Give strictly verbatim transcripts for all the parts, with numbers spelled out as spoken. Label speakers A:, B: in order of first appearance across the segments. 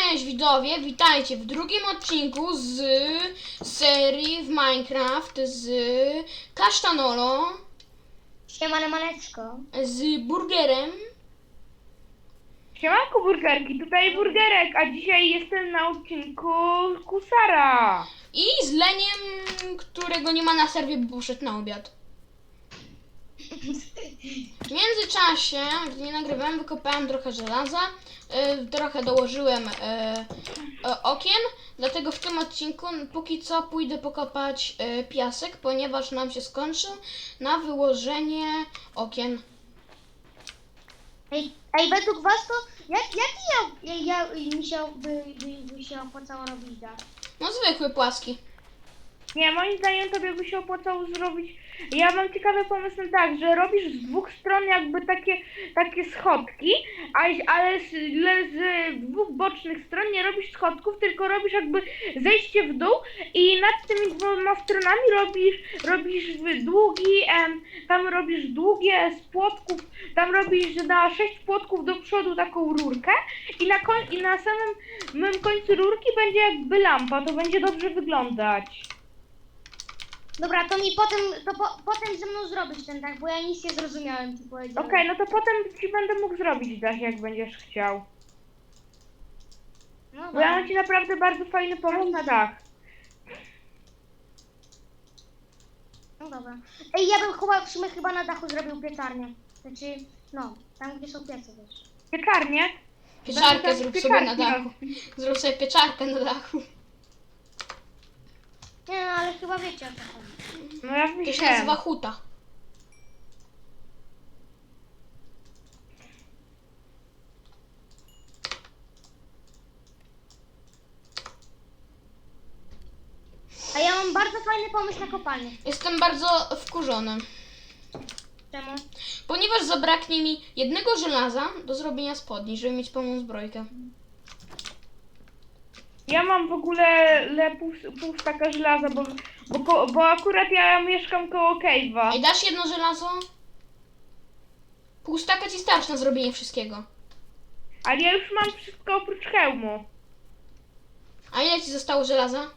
A: Cześć widzowie, witajcie w drugim odcinku z serii w Minecraft z Kasztanolo,
B: Siemane maneczko.
A: z Burgerem
C: Siemanko burgerki, tutaj burgerek, a dzisiaj jestem na odcinku Kusara.
A: i z Leniem, którego nie ma na serwie, bo poszedł na obiad. W międzyczasie, gdy nie nagrywałem, wykopałem trochę żelaza, yy, trochę dołożyłem yy, yy, okien, dlatego w tym odcinku póki co pójdę pokopać yy, piasek, ponieważ nam się skończył na wyłożenie okien.
B: Ej, ej, według was to jak, jaki ja, ja, ja mi się by, by, by się opłacało robić dach?
A: No zwykły, płaski.
C: Nie, moim zdaniem tobie by się opłacało zrobić, ja mam ciekawy pomysł na tak, że robisz z dwóch stron jakby takie, takie schodki, a, ale z, le- z dwóch bocznych stron nie robisz schodków, tylko robisz jakby zejście w dół i nad tymi dwoma stronami robisz, robisz długi, em, tam robisz długie z płotków, tam robisz na sześć płotków do przodu taką rurkę i na, koń, i na samym mym końcu rurki będzie jakby lampa, to będzie dobrze wyglądać.
B: Dobra, to mi potem, to po, potem ze mną zrobić ten dach, bo ja nic nie zrozumiałem, co powiedziałem.
C: Okej, no to potem ci będę mógł zrobić dach, jak będziesz chciał.
B: No
C: Bo
B: dobra.
C: ja mam ci naprawdę bardzo fajny pomysł na dach.
B: No dobra. Ej, ja bym chyba, w sumie chyba na dachu zrobił piekarnię. Znaczy, no, tam gdzie są piece też.
C: Piekarnię.
A: Pieczarkę
C: Będę
A: zrób
C: tam
A: sobie na
C: piekarki
A: dachu.
C: robił.
A: Zrób sobie pieczarkę na dachu.
B: Nie no, ale chyba wiecie o co chodzi.
C: No ja
A: To się
C: myślałem.
A: nazywa huta.
B: A ja mam bardzo fajny pomysł na kopalnię.
A: Jestem bardzo wkurzony,
B: Czemu?
A: ponieważ zabraknie mi jednego żelaza do zrobienia spodni, żeby mieć pełną zbrojkę.
C: Ja mam w ogóle le pół, pół staka żelaza, bo, bo, ko- bo akurat ja mieszkam koło cave'a.
A: Ej, dasz jedno żelazo? Pół staka ci starczy na zrobienie wszystkiego.
C: Ale ja już mam wszystko oprócz hełmu.
A: A ile ci zostało żelaza?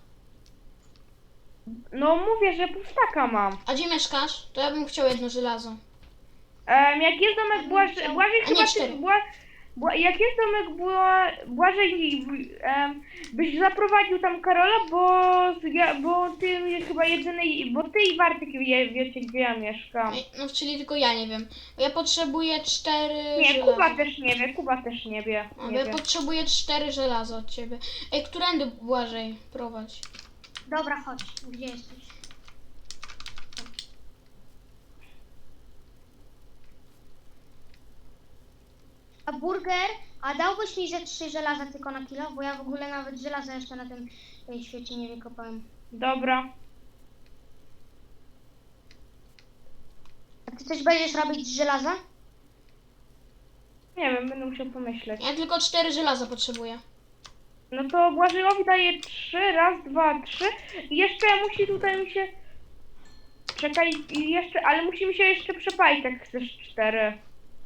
C: No mówię, że pół staka mam.
A: A gdzie mieszkasz? To ja bym chciał jedno żelazo.
C: Um, jak jest domek Błażej,
B: chciał-
C: Błażej
A: A nie,
C: chyba
A: cztery.
C: ty, Bła, Bła, jak jest domek Bła, Błażej, um, byś zaprowadził tam Karola, bo, ja, bo ty chyba jedyny, bo ty i Bartek wie, wiecie gdzie ja mieszkam.
A: Ej, no czyli tylko ja nie wiem. Ja potrzebuję cztery
C: Nie,
A: żelaza.
C: Kuba też nie wie, Kuba też nie wie.
A: A, bo
C: Nie
A: ja
C: wie.
A: potrzebuję cztery żelaza od ciebie. Ej, którędy Błażej prowadź?
B: Dobra, chodź. Gdzie jesteś? A burger, a dałbyś mi ze trzy żelaza tylko na kilo? Bo ja w ogóle nawet żelaza jeszcze na tym e, świecie nie wykopałem.
C: Dobra.
B: A ty też będziesz robić z żelaza?
C: Nie wiem, będę musiał pomyśleć.
A: Ja tylko cztery żelaza potrzebuję.
C: No to Błażejowi daję trzy, raz, dwa, trzy. I jeszcze musi tutaj mi się... Czekaj, i jeszcze, ale musi mi się jeszcze przepalić, jak chcesz cztery.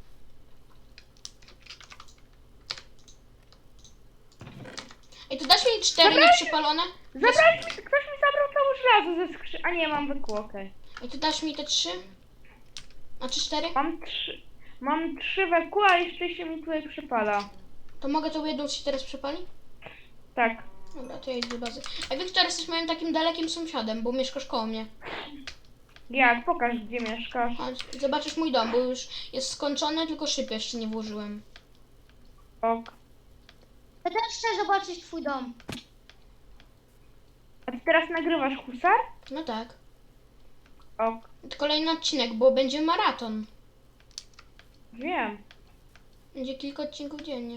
A: Ej, to dasz mi cztery
C: Dobra.
A: nieprzypalone?
C: Zabrałeś mi, ktoś mi zabrał całe żelazo ze skrzy... A nie, mam wykło, okej.
A: Ej, to dasz mi te trzy? Znaczy cztery?
C: Mam trzy... Mam trzy wekła, a jeszcze się mi tutaj przypala.
A: To mogę tą jedną ci teraz przypali?
C: Tak.
A: Dobra, to ja idę do bazy. A Wiktor, jesteś moim takim dalekim sąsiadem, bo mieszkasz koło mnie.
C: Jak? Pokaż, gdzie mieszkasz.
A: Chodź, zobaczysz mój dom, bo już jest skończony, tylko szyb jeszcze nie włożyłem.
C: Ok.
B: Ja też chcę zobaczyć twój dom.
C: A ty teraz nagrywasz husar?
A: No tak.
C: Ok.
A: To kolejny odcinek, bo będzie maraton.
C: Wiem.
A: Będzie kilka odcinków dziennie.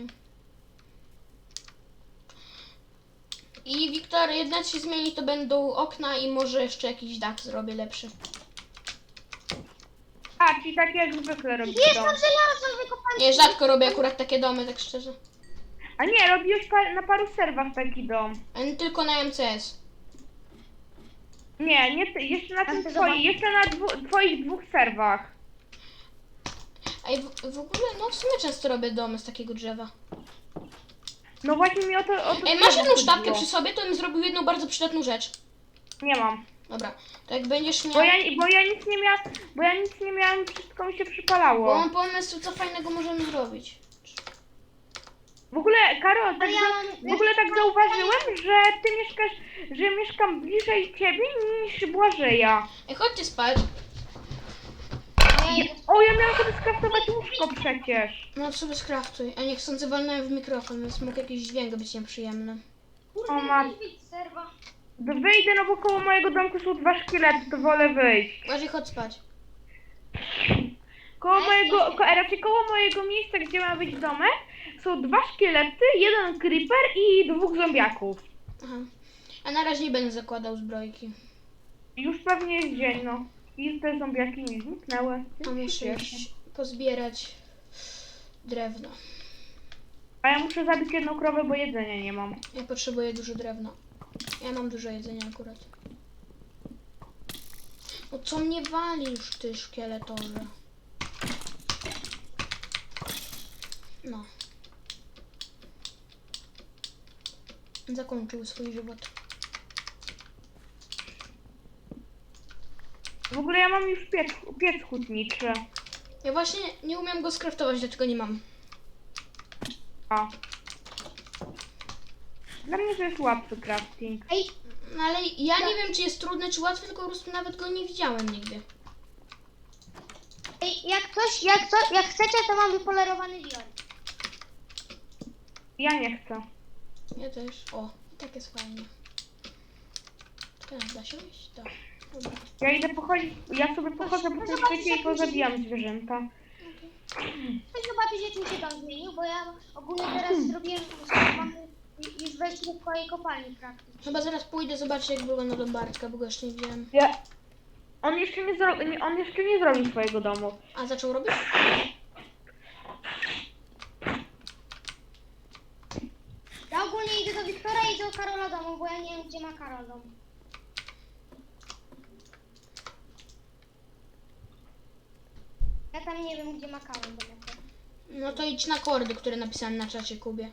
A: I Wiktor, jedna się zmieni, to będą okna i może jeszcze jakiś dach zrobię lepszy.
C: A, czyli tak jak zwykle robisz
B: Jest
C: dom.
B: tam żelazo wykopane.
A: Nie, rzadko robię akurat takie domy, tak szczerze.
C: A nie, robiłeś pa na paru serwach taki dom.
A: A nie tylko na M C S.
C: Nie, nie ty, jeszcze na tym
B: chcę
C: twoim,
B: zobaczyć.
C: jeszcze na dwu, twoich dwóch serwach.
A: Ej, w, w ogóle, no w sumie często robię domy z takiego drzewa.
C: No właśnie mi o to, o to
A: Ej, masz
C: drzewo
A: jedną sztabkę
C: chodziło.
A: przy sobie, to bym zrobił jedną bardzo przydatną rzecz.
C: Nie mam.
A: Dobra, to jak będziesz miał...
C: Bo ja, bo ja nic nie miałam, bo ja nic nie miałam, wszystko mi się
A: Bo
C: przypalało.
A: mam pomysł, co fajnego możemy zrobić.
C: W ogóle, Karol, tak
B: Ale ja
C: za,
B: mam-
C: w ogóle tak zauważyłem, że ty mieszkasz, że mieszkam bliżej ciebie niż Błażeja.
A: Ej, chodźcie spać.
B: Ja idę.
C: O, ja miałam sobie skraftować łóżko przecież.
A: No to sobie skraftuj. A niech sądzę walnąłem w mikrofon, więc mógł jakiś dźwięk być nieprzyjemny.
B: Kurde,
C: O, ma-
B: weź wyjdź z serwa.
C: Wyjdę, no bo koło mojego domku są dwa szkielety, to wolę wyjść.
A: Bardziej chodź spać.
C: Koło mojego, ko, raczej koło mojego miejsca, gdzie ma być domek, są dwa szkielety, jeden creeper i dwóch zombiaków.
A: Aha. A na razie nie będę zakładał zbrojki.
C: Już pewnie jest dzień, no. I te zombiaki mi zniknęły.
A: A muszę iść pozbierać drewno.
C: A ja muszę zabić jedną krowę, bo jedzenia nie mam.
A: Ja potrzebuję dużo drewna. Ja mam dużo jedzenia akurat. No co mnie walisz, ty szkieletorze? No. Zakończył swój żywot.
C: W ogóle ja mam już piec, piec hutniczy.
A: Ja właśnie nie umiem go skraftować, dlatego nie mam.
C: A. Dla mnie to jest łatwy crafting.
B: Ej,
A: No ale ja nie wiem, czy jest trudny, czy łatwy, tylko po prostu nawet go nie widziałem nigdy.
B: ej, jak ktoś, jak co, jak chcecie, to mam wypolerowany dior.
C: Ja nie chcę.
A: Ja też. O, tak jest fajnie. Teraz da się iść? Da. Dobra.
C: Ja idę pochodzić, ja sobie pochodzę po tym świecie i pozabijam zwierzęta.
B: Chcę zobaczyć, jak mi się dom zmienił, bo ja ogólnie teraz zrobiłem, mam już wejście do twojej kopalni praktycznie.
A: Chyba zaraz pójdę zobaczyć, jak wygląda dom Bartka, bo go jeszcze nie widziałem.
C: Ja... On jeszcze nie, zro... nie- on jeszcze nie zrobił swojego domu.
A: A zaczął robić?
B: Ja ogólnie idę do Wiktora i do Karola domu, bo ja nie wiem, gdzie ma Karol dom. Ja tam nie wiem, gdzie ma Karol dom.
A: No to idź na kordy, które napisałem na czacie Kubie.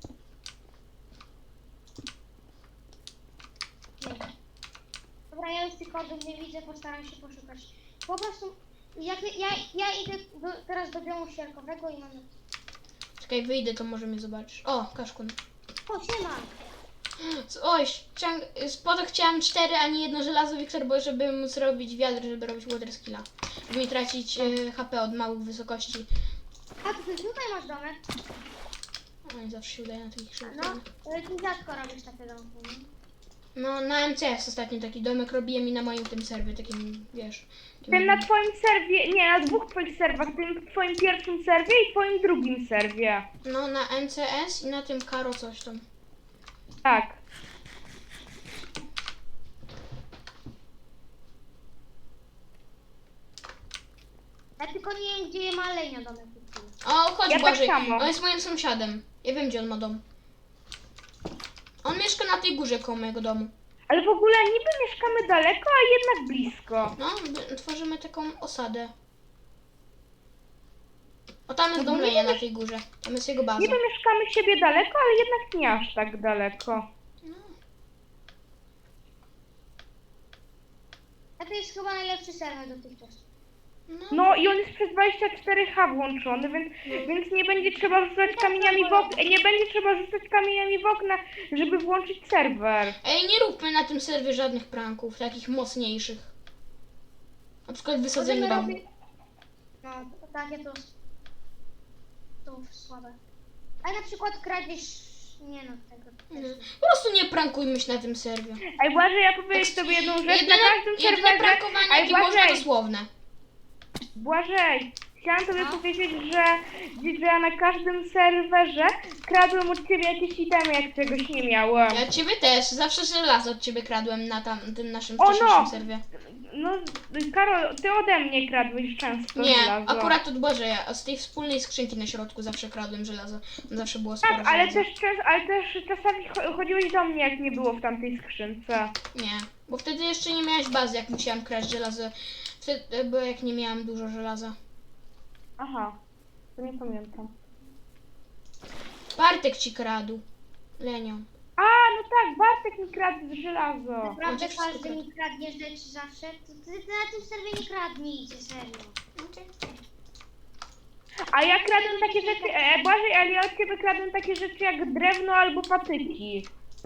B: Nie wiem. Dobra, ja już tych kordów nie widzę, postaram się poszukać. Po prostu, jak, ja, ja idę do, teraz do biomu sierkowego i mam...
A: Czekaj, wyjdę, to może mnie zobaczysz. O, Kaszkun.
B: O, siema!
A: Oj, ciąg... spod chciałem cztery, a nie jedno żelazo, Wiktor, bo żeby móc robić wiatr, żeby robić water skilla. Żeby nie tracić y, H P od małych wysokości.
B: A ty tutaj masz domek?
A: O, nie zawsze się udaje na takich szybkich.
B: No, ale ty rzadko robisz takie domki, nie?
A: No, na M C S ostatnio taki domek robiłem i na moim tym serwie, takim, wiesz... takim-
C: Tym na twoim serwie, nie, na dwóch twoich serwach, tym twoim pierwszym serwie i twoim drugim serwie.
A: No, na M C S i na tym Karo coś tam.
C: Tak.
B: Ja tylko nie wiem, gdzie ma Lenia domek.
A: O, chodź
C: Ja tak
A: Błażej,
C: samo.
A: on jest moim sąsiadem. Ja wiem, gdzie on ma dom. On mieszka na tej górze koło mojego domu.
C: Ale w ogóle niby mieszkamy daleko, a jednak blisko.
A: No, by- tworzymy taką osadę. O, tam jest
C: No,
A: dom
C: nie
A: Lenia na
C: wiesz-
A: tej górze. Tam jest jego baza.
C: Niby mieszkamy siebie daleko, ale jednak nie aż tak daleko.
A: No.
B: A to jest chyba najlepszy serwer dotychczas.
A: No.
C: No i on jest przez dwadzieścia cztery H włączony, więc, więc nie będzie trzeba rzucać kamieniami w okna, nie będzie trzeba rzucać kamieniami w okna, żeby włączyć serwer.
A: Ej, nie róbmy na tym serwie żadnych pranków, takich mocniejszych. Na przykład wysadzenie
B: Możemy
A: domu.
B: robić- No, to takie to... To słabe. A na przykład kradzież... Nie no, tego...
A: Nie. Po prostu nie prankujmy się na tym serwie.
C: Ej, Błażej, ja powiedzieć sobie jedną rzecz, na
A: Jedyne,
C: każdym
A: jedyne
C: serwerze...
A: prankowanie,
C: Ej,
A: jakie można,
C: Błażej,
A: dosłowne.
C: Błażej, chciałam tobie
A: No.
C: powiedzieć, że, że ja na każdym serwerze kradłem od ciebie jakieś itemy, jak czegoś nie miałem.
A: Ja od ciebie też, zawsze żelazo od ciebie kradłem na tam, tym naszym
C: O, no!
A: wcześniejszym serwie.
C: No, Karol, ty ode mnie kradłeś często
A: Nie,
C: żelazo.
A: akurat od Błażeja, a z tej wspólnej skrzynki na środku zawsze kradłem żelazo. Tam zawsze było sporo
C: Tak, ale
A: żelaza.
C: też, czas, ale też czasami cho- chodziłeś do mnie, jak nie było w tamtej skrzynce.
A: Nie, bo wtedy jeszcze nie miałeś bazy, jak musiałam kraść żelazo. Wtedy, bo jak nie miałam dużo żelaza.
C: Aha, to nie pamiętam.
A: Bartek ci kradł. Lenio.
C: A, no tak, Bartek mi kradł żelazo.
B: Naprawdę
A: On ci wszystko
B: każdy
A: kradł.
B: mi kradnie rzeczy zawsze. Ty, ty, ty na tym serwie nie kradnijcie, serio.
C: A ja kradłem takie rzeczy, e, Błażej, ale ja od ciebie kradłem takie rzeczy jak drewno albo patyki.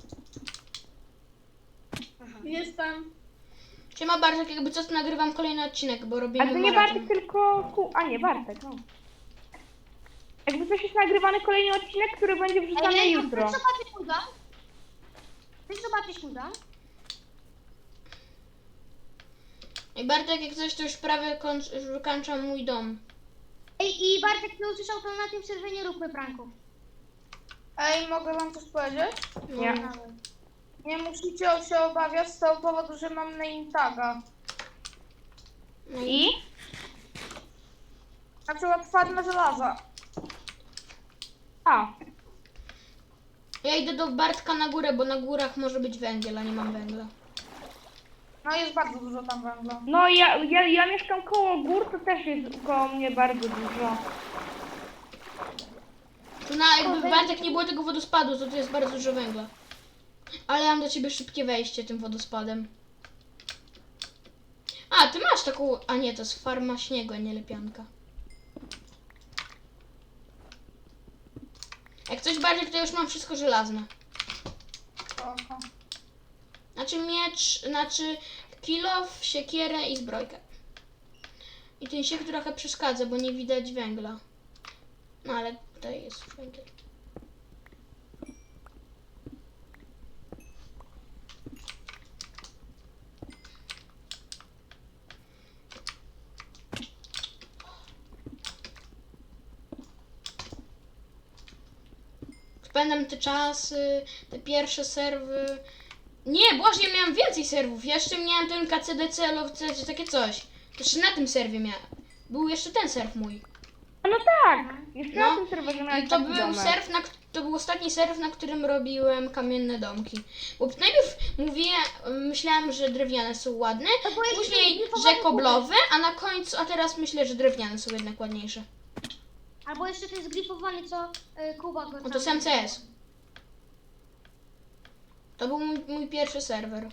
D: Jestem.
A: Siema Bartek, jakby co, to nagrywam kolejny odcinek, bo robimy
C: A to nie
A: maraton.
C: Bartek, tylko ku... A nie, Bartek, no. Jakby coś jest nagrywany kolejny odcinek, który będzie wrzucany
B: Ej,
C: jutro.
B: Chcesz zobaczyć mój dom? Chcesz zobaczyć mój dom?
A: I Bartek, jak coś, to już prawie kończ, już wykańczam mój dom.
B: Ej, i Bartek nie usłyszał, to na tym serwie nie róbmy pranków.
D: Ej, mogę wam coś powiedzieć?
C: Nie.
D: Nie musicie się obawiać z tego powodu, że mam name taga.
A: No
C: I?
D: Na przykład farmę żelaza.
C: A,
A: Ja idę do Bartka na górę, bo na górach może być węgiel, a nie mam węgla.
D: No jest bardzo dużo tam węgla.
C: no ja, ja, ja mieszkam koło gór, to też jest koło mnie bardzo dużo.
A: Tu na, jakby Bartek nie było tego wodospadu, to tu jest bardzo dużo węgla. Ale ja mam do ciebie szybkie wejście tym wodospadem. A, ty masz taką... A nie, to jest farma śniegu, a nie lepianka. Jak coś Bartek, to już mam wszystko żelazne.
D: Oho.
A: Znaczy miecz, znaczy kilof, siekierę i zbrojkę. I ten siek trochę przeszkadza, bo nie widać węgla. No ale tutaj jest węgiel. Pamiętam te czasy, te pierwsze serwy. Nie, Boże, ja miałem więcej serwów. Ja jeszcze miałem ten K C D C, lowce, czy takie coś. Jeszcze na tym serwie miałem. Był jeszcze ten serw mój.
C: A no tak, jeszcze
A: No.
C: na tym serwerze miałem
A: I to
C: taki
A: był
C: domek.
A: serw, na, k- to był ostatni serw, na którym robiłem kamienne domki. Bo najpierw mówię, myślałem, że drewniane są ładne,
B: To było jakieś
A: później,
B: zgrifowane
A: że koblowe, a na końcu, a teraz myślę, że drewniane są jednak ładniejsze.
B: Albo jeszcze ten zgrifowany, co y, Kuba go
A: No to
B: tam-
A: sam C S. To był mój, mój pierwszy serwer.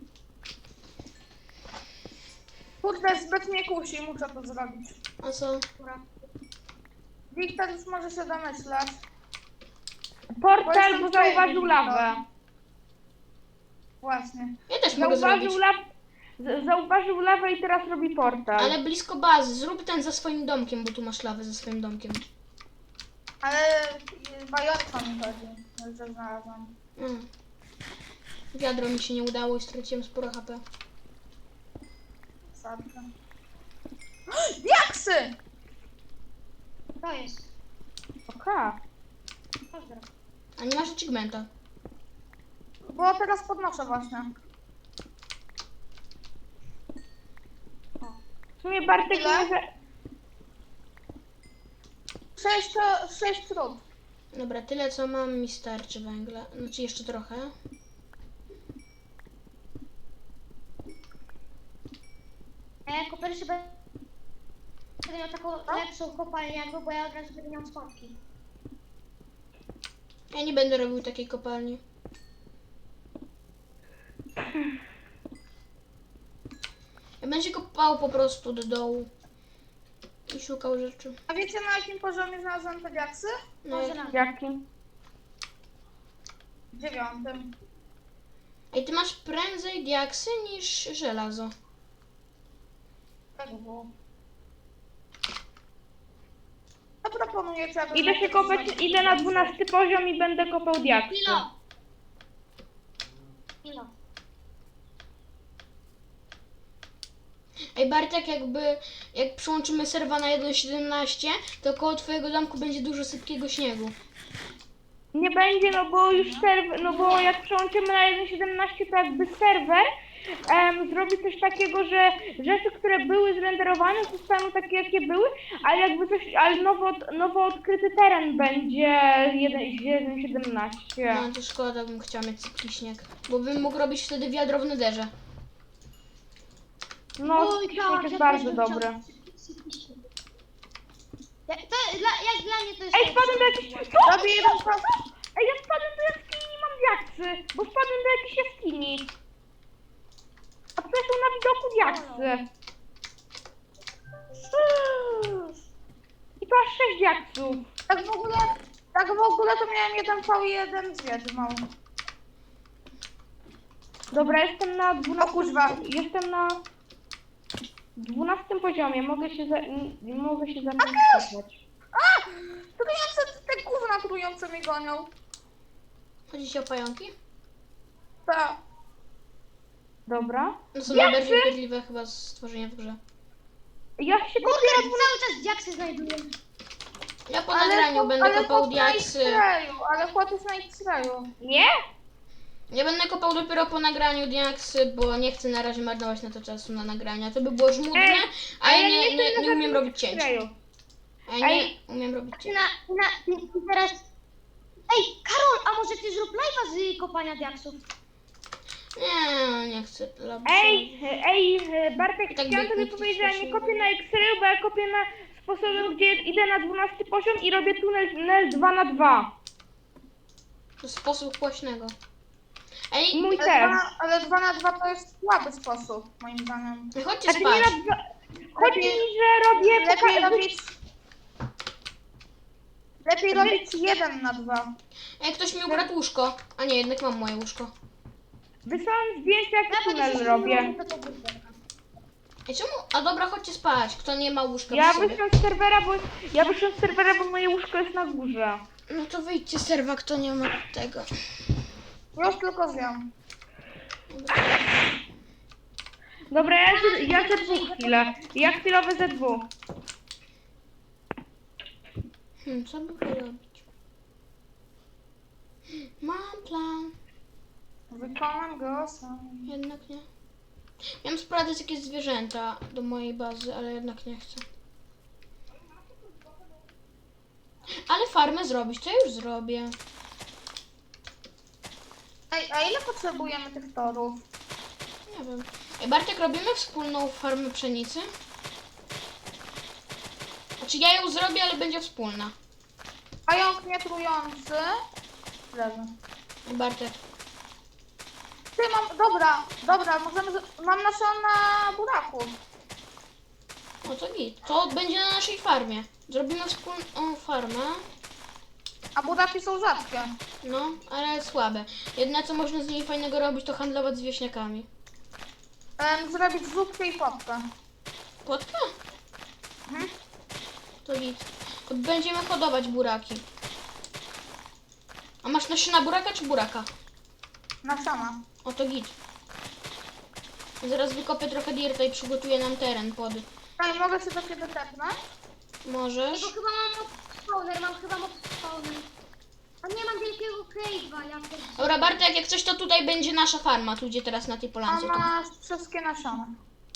D: Kurde, zbyt mnie kusi, muszę to zrobić.
A: A co?
B: Dobra.
D: Wiktor już może się domyślać.
C: Portal,
D: Bo
C: bo
D: jestem
C: zauważył
D: twoim
C: lawę.
D: Właśnie.
A: Ja też mogę zrobić.
C: Zauważył, law... z- zauważył lawę i teraz robi portal.
A: Ale blisko bazy. Zrób ten za swoim domkiem, bo tu masz lawę za swoim domkiem.
D: Ale bajorka mi chodzi, że znalazłam.
A: Mm. Wiadro mi się nie udało i straciłem sporo H P.
D: Sadka. Diaksy!
B: To jest.
C: Oka.
B: Pozdro.
A: A nie masz achievementa.
D: Bo teraz podnoszę właśnie.
C: W sumie Bartek
D: Ile?
C: może...
D: Sześć, sześć trud.
A: Dobra, tyle co mam mi starczy węgla. Znaczy jeszcze trochę.
B: A ja jako pierwszy będę miał taką lepszą kopalnię jakby, bo ja od razu będę miał schodki.
A: Ja nie będę robił takiej kopalni. Ja będę się kopał po prostu do dołu. I szukał rzeczy.
D: A wiecie na jakim poziomie znalazłam te diaksy?
A: No,
B: Może
A: jak...
B: na
C: Jakim?
D: Dziewiątym.
A: Ej, ty masz prędzej diaksy niż żelazo.
D: Tak było. To proponuję, czy ja
C: Idę się kopać, idę na dwunasty poziom i będę kopał diaksy.
B: Kilo! Kilo.
A: Ej, Bartek, jakby jak przyłączymy serwa na jeden siedemnaście, to koło twojego domku będzie dużo sypkiego śniegu.
C: Nie będzie, no bo już serwer, no bo jak przełączymy na jeden siedemnaście, to jakby serwer em, zrobi coś takiego, że rzeczy, które były zrenderowane, zostaną takie, jakie były, ale jakby coś, ale nowo, nowo odkryty teren będzie jeden siedemnaście.
A: No to szkoda, bym chciała mieć sypki śnieg. Bo bym mógł robić wtedy wiadro w nederze.
C: No,
B: Oj,
C: śnieg
B: tak,
C: jest
B: ja
C: bardzo
B: też bym
C: dobry.
B: chciał- Ja, to, dla, jak dla mnie to jest...
C: Ej, wpadłem do jakiejś... Co?
D: Robię jeden pas.
C: Ej, ja wpadłem do jaskini i mam diaksy, bo wpadłem do jakiejś jaskini. A tutaj są na widoku diaksy. I to aż sześć diaksów.
D: Tak w ogóle, tak w ogóle to miałem jeden V i jeden zwierzę mały.
C: Dobra, jestem na dwunastym...
D: O kurwa.
C: Jestem na dwunastym poziomie, mogę się za... nie mogę się zarejestrować.
D: A! Trujące, te gówna trujące mnie gonią.
A: Chodzi ci o pająki?
D: Tak.
C: Dobra.
A: No są
C: Diaksy?
A: najbardziej upierdliwe chyba stworzenia w grze.
C: Ja się
B: Kurde,
C: kopię
B: ja
C: na
B: cały czas diaksy znajduję.
A: Ja po nagraniu
D: chłop-
A: będę
D: ale
A: kopał
D: chłop na
A: diaksy.
D: X-rayu, ale chłop jest na X-rayu.
C: Nie?
A: Ja będę kopał dopiero po nagraniu diaksy, bo nie chcę na razie marnować na to czasu na nagrania. To by było żmudne,
C: Ej,
A: a ja
C: ale
A: nie,
C: jestem
A: nie,
C: na
A: nie umiem
C: żadnym
A: robić cięć.
C: kraju.
A: A ja nie
C: Ej.
A: umiem robić
B: Ty
A: cięć.
B: na, ty na, ty, ty teraz... Ej, Karol, a może ty zrób live'a z kopania diaksów?
A: Nie, nie chcę robić.
C: Ej, ej, Bartek,
A: I tak
C: chciałam
A: by
C: tobie
A: nikt nie
C: powiedzieć, że ja nie
A: słyszał.
C: kopię na X-rayu, bo ja kopię na sposobem, gdzie idę na dwunasty poziom i robię tunel, tunel dwa na dwa.
A: To sposób głośnego. Ej,
C: Mój
D: Ale
C: też.
D: dwa, ale dwa na dwa to jest słaby sposób, moim zdaniem.
A: chodźcie
C: Znaczy nie
A: spać.
C: na dwa... Chodzi mi, że robię...
D: Lepiej
C: poka-
D: robić... Lepiej robić jeden na dwa.
A: Ej, ktoś mi ukradł łóżko. A nie, jednak mam moje łóżko.
C: Wysłałem zdjęcia, jak
B: Ja będę
C: tunel
B: się
C: robię.
B: do tego wybrać.
A: Ej, czemu? A dobra, chodźcie spać. Kto nie ma łóżka
C: Ja
A: przy sobie.
C: wyszłam z serwera, bo... Ja wyszłam z serwera, bo moje łóżko jest na górze.
A: No to wyjdźcie z serwa, kto nie ma tego.
D: Już tylko zjem.
C: Dobra, ja, z- ja ze dwóch chwilę. Ja chwilowe ze dwóch.
A: Hmm, co by robić? Mam plan.
D: Wykonam go sam.
A: Jednak nie. Miałem sprowadzać jakieś zwierzęta do mojej bazy, ale jednak nie chcę. Ale farmę zrobić, to ja już zrobię.
D: Ej, a ile potrzebujemy tych torów?
A: Nie wiem. Ej, Bartek, robimy wspólną farmę pszenicy? Znaczy ja ją zrobię, ale będzie wspólna.
D: Pająk nietrujący. Leży.
A: Ej, Bartek.
D: Ty, mam... Dobra, dobra, możemy... z- Mam nasiona buraków.
A: No to git. To będzie na naszej farmie. Zrobimy wspólną farmę.
D: A buraki są rzadkie.
A: No, ale słabe. Jedyne co można z niej fajnego robić, to handlować z wieśniakami.
D: Em, zrobić zupkę i popkę.
A: Płotka?
D: Mhm.
A: To git. To będziemy hodować buraki. A masz nasiona buraka czy buraka?
D: Nasiona.
A: O, to git. Zaraz wykopię trochę dirta i przygotuję nam teren pod.
D: Ej, mogę się do ciebie tepnąć?
A: Możesz?
B: Bo chyba mam mob spawner, mam chyba mob spawner. A nie mam wielkiego cave'a, ja też...
A: Dobra, Bartek, jak coś to tutaj będzie nasza farma, tu gdzie teraz na tej
D: A
A: polance. To.
D: masz wszystkie nasiona.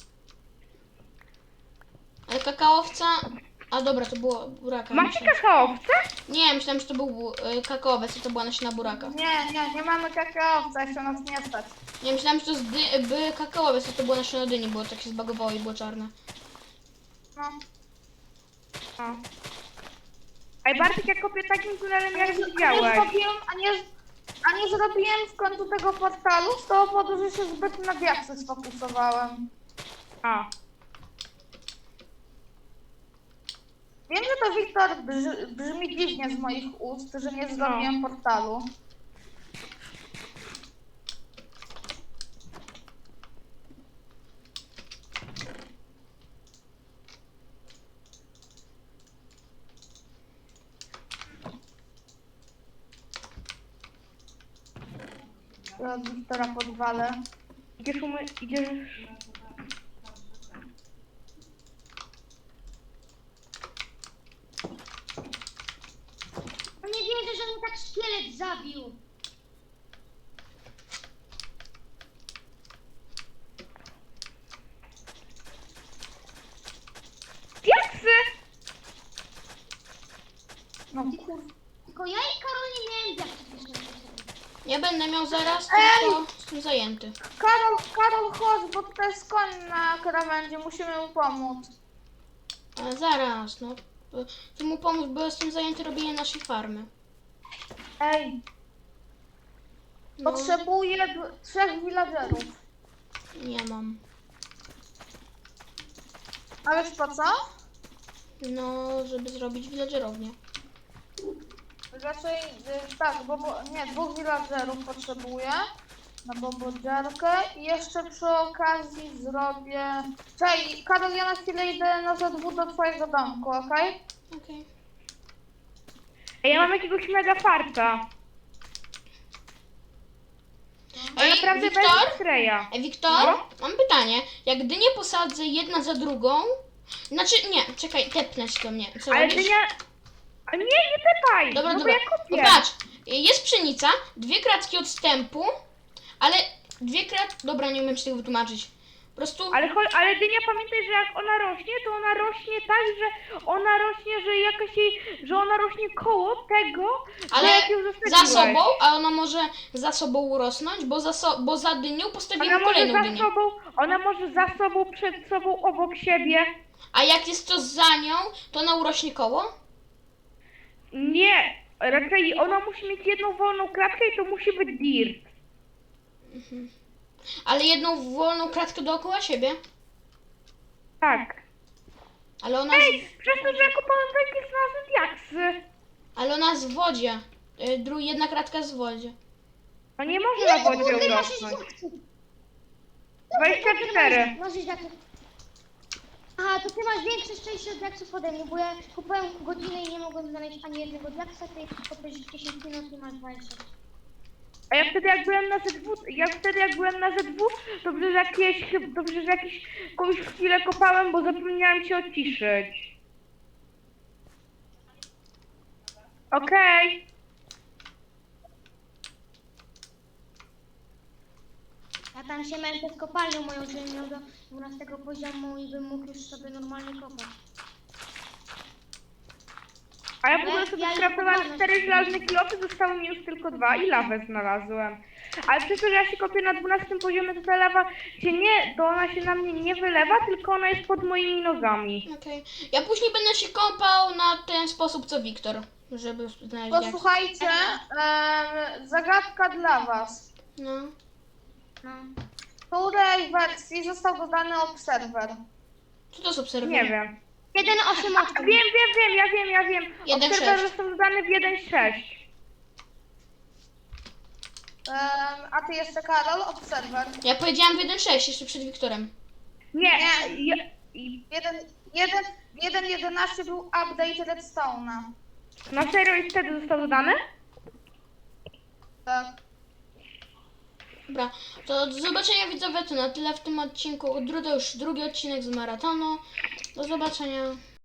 A: Ale kakaowca... A dobra, to było buraka.
C: Macie
A: myślałem.
C: kakaowce?
A: Nie, myślałem, że to był bu- y, kakaowiec, a to była nasiona buraka.
D: Nie, nie, nie mamy kakaowca, jeszcze nas nie stać.
A: Nie, myślałem, że to z dy- by kakaowiec, a to było nasiona dyni, bo tak się zbagowało i było czarne.
D: No.
C: No. Ej, Bartek, ja kopię takim tunelem, jak
D: A nie
C: widziałeś.
D: zrobiłem, a nie, a nie zrobiłem w końcu tego portalu z tego powodu, że się zbyt na diaksy sfokusowałem.
C: A.
D: Wiem, że to Wiktor brzy, brzmi dziwnie z moich ust, że nie zrobiłem portalu. Ja od Wiktora podwalę.
C: Idziesz umy... Idziesz...
B: No nie wierzę, że mnie tak szkielet zabił.
C: Diaksy!
D: No kur...
B: Tylko ja i Karol nie miałem diaksów jeszcze.
A: Ja będę miał zaraz,
D: Ej!
A: tylko jestem zajęty.
D: Karol, Karol, chodź, bo tutaj jest koń na krawędzi, musimy mu pomóc.
A: Ale zaraz, no. To, to mu pomóc, bo jestem zajęty robieniem naszej farmy.
D: Ej,
A: No,
D: potrzebuję d- trzech villagerów.
A: nie mam.
D: A wiesz po co?
A: No, żeby zrobić villagerownię.
D: Raczej, y, tak, bo, bo nie, dwóch villagerów potrzebuję na bobodziarkę i jeszcze przy okazji zrobię... Czekaj, Karol, ja na chwilę idę na Z W do twojego domku, okej?
A: Okej.
C: Ej, ja mam jakiegoś mega farta. Ale
A: Ej,
C: naprawdę
A: Wiktor?
C: bez Freya.
A: Ej, Wiktor,
C: No?
A: mam pytanie. Jak dynię posadzę jedna za drugą... Znaczy, nie, czekaj, tepnę się do mnie. Co
C: Ale
A: robisz?
C: dynia... A nie, nie tepaj!
A: Dobra,
C: no
A: dobra.
C: bo ja
A: No
C: kopię.
A: patrz, jest pszenica, dwie kratki odstępu, ale dwie krat... Dobra, nie umiem się tego wytłumaczyć. Po prostu...
C: Ale, cho- ale dynia, pamiętaj, że jak ona rośnie, to ona rośnie tak, że ona rośnie, że jakaś jej, że ona rośnie koło tego,
A: Ale
C: że jak ją
A: za
C: zostawiłeś.
A: sobą, a ona może za sobą urosnąć, bo za, so, bo za dynią
C: Ona
A: postawimy
C: może
A: kolejną
C: za
A: dynię.
C: sobą, ona może za sobą, przed sobą, obok siebie.
A: A jak jest to za nią, to ona urośnie koło?
C: Nie, raczej ona musi mieć jedną wolną klatkę i to musi być dirt.
A: Ale jedną wolną kratkę dookoła siebie.
C: Tak.
A: Ale ona,
C: Ej,
A: z,
C: przez to, że ja kopałem takie znalazłem diaksy.
A: ale ona z wodzie. Y, Dru, jedna kratka z wodzie.
C: No nie może na wodzie
B: Kurde, masz
C: urosnąć.
B: jaksy.
C: dwadzieścia cztery.
B: Masz jaksy. Aha, to ty masz większe szczęście od jaksów ode mnie, bo ja kupowałem godzinę i nie mogłem znaleźć ani jednego jaksa, ty kopiesz dziesięć minut i masz dwadzieścia.
C: A ja wtedy jak byłem na Z W, ja wtedy jak byłem na Z W, dobrze, że jakieś, chyb- dobrze, że jakiś kogoś chwilę kopałem, bo zapomniałem się odciszyć. Okej.
B: Ja tam się męczę z kopalnią moją, żebym miał do dwunastego poziomu i bym mógł już sobie normalnie kopać.
C: A ja w
B: Ja-
C: ogóle sobie
B: ja już
C: skraftowałem
B: mam
C: cztery żelazne kilofy, zostały mi już tylko dwa i lawę znalazłem. Ale przez to, że ja się kopię na dwunastym poziomie, to ta lawa się nie, to ona się na mnie nie wylewa, tylko ona jest pod moimi nogami.
A: Okej. Ja później będę się kąpał na ten sposób co Wiktor, żeby znaleźć jak...
D: Posłuchajcie, em, zagadka dla was.
A: No.
B: No.
D: W której wersji został dodany obserwer?
A: Co to jest obserwuj?
C: Nie wiem.
B: jeden osiem
C: A,
B: osiem.
C: wiem, wiem, wiem, ja wiem, ja wiem.
A: jeden
C: Obserwer
A: sześć.
C: został dodany w jeden sześć.
D: Em, a ty jeszcze, Karol, obserwer.
A: Ja powiedziałam w jeden sześć jeszcze przed Wiktorem.
C: Nie,
D: Nie.
C: ja, i-
D: jeden jeden jedenaście był update Redstone'a.
C: na serio i wtedy został dodany?
D: Tak.
A: Dobra, to do zobaczenia widzowie, to na tyle w tym odcinku. Dru- To już drugi odcinek z maratonu. Do zobaczenia.